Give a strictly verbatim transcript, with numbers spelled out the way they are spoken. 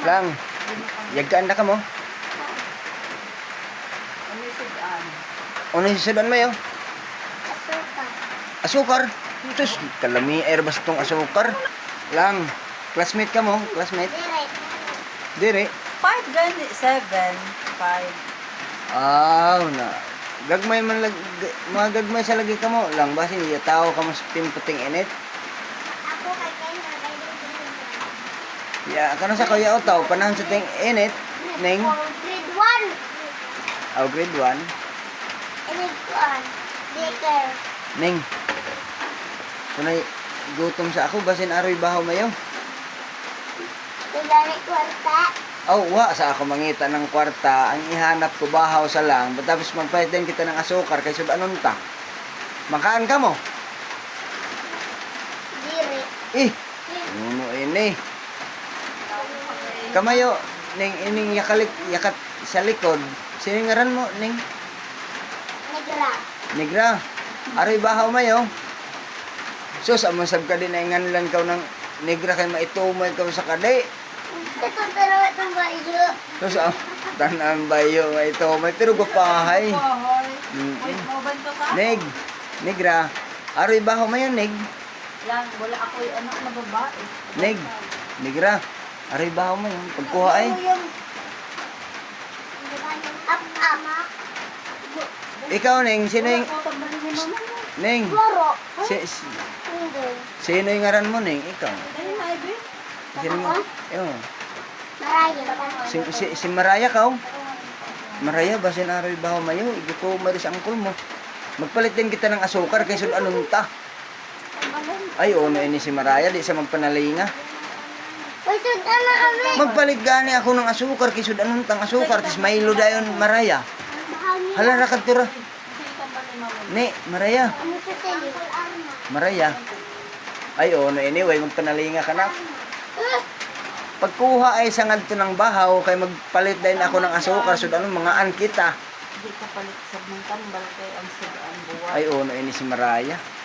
Lang, yagkaan na ka mo. Ano sudan? Ano yung sudan mo yun? Asuka. Asukar? Tus, kalami airbus tong asukar. Lang, classmate ka mo? Classmate? Direct. Dire. Five gani, seven, five. Ah, na. Gagmay man lag mga gagmay sa lagi ka mo. Lang basi ya tao ka mo sa timputing init. Ako kay Ken na kay Ya, kana sa kuya utaw panahon sa ting init ning Grade one. oh, grade one. Grade one. Daycare. Ning. Kunay gutom sa ako basin aroy bahaw mayo. Tigani kwarta. Oh, wa sa ako mangita ng kwarta, ang ihanap ko bahaw sa lang, tapos magpahit din kita ng asukar kay sud anon ta. Makaan ka mo? Dire. Eh, ano ini? Kamayo ning ining yakalik yakat sa likod. Sino ngaran mo ning Negra. Negra? Aroy bahaw mayo. Sus, amon sab ka din ay nganlan kaw ng Negra kay maitumoy ka sa kadi. Ito pero itong bayo. Sus, am tanan bayo maitumoy pero gupahay. Bahay. Mm. Wait, mo ba ito ka? Neg, Negra. Aroy bahaw mayo neg. Lang, wala ako yung anak na babae. Neg, Negra. Aroy bahaw mo yun. Pagkuha ay. Ano yung Up up. Ikaw, Neng. Sino yung... wala ko tambalin ni mama mo? Neng. Goro. Si, si, Hindi. sino yung ngaran mo, Neng? Ikaw. Ayun na, Ibe. Sino yung... Ewan. Maraya. Si, si, si Maraya ka, oh. Maraya, basin aroy bahaw mayo. Igi ko maris ang angkol mo. Magpalit din kita ng asukar kay sud anong ta. Ay, oh, na ini si Maraya. Di sa magpanalinga. Gusto na na kami. Magpalit gani ako ng asukar kay sud anong tang asukar. Tis Milo dayon, Maraya. Hala, rakad tura. Kasi tambalin mama mo. Ni, Maraya. Ano sa tele? Maraya. Ay, oh, na anyway, magpanalinga ka na. Pagkuha ay sangad to ng bahaw, kay magpalit din ako ng asukar, sud anong mga an kita. Hindi ka palit sa mga tambal kay ang sudan buwan. Ay, oh, na ini si Maraya.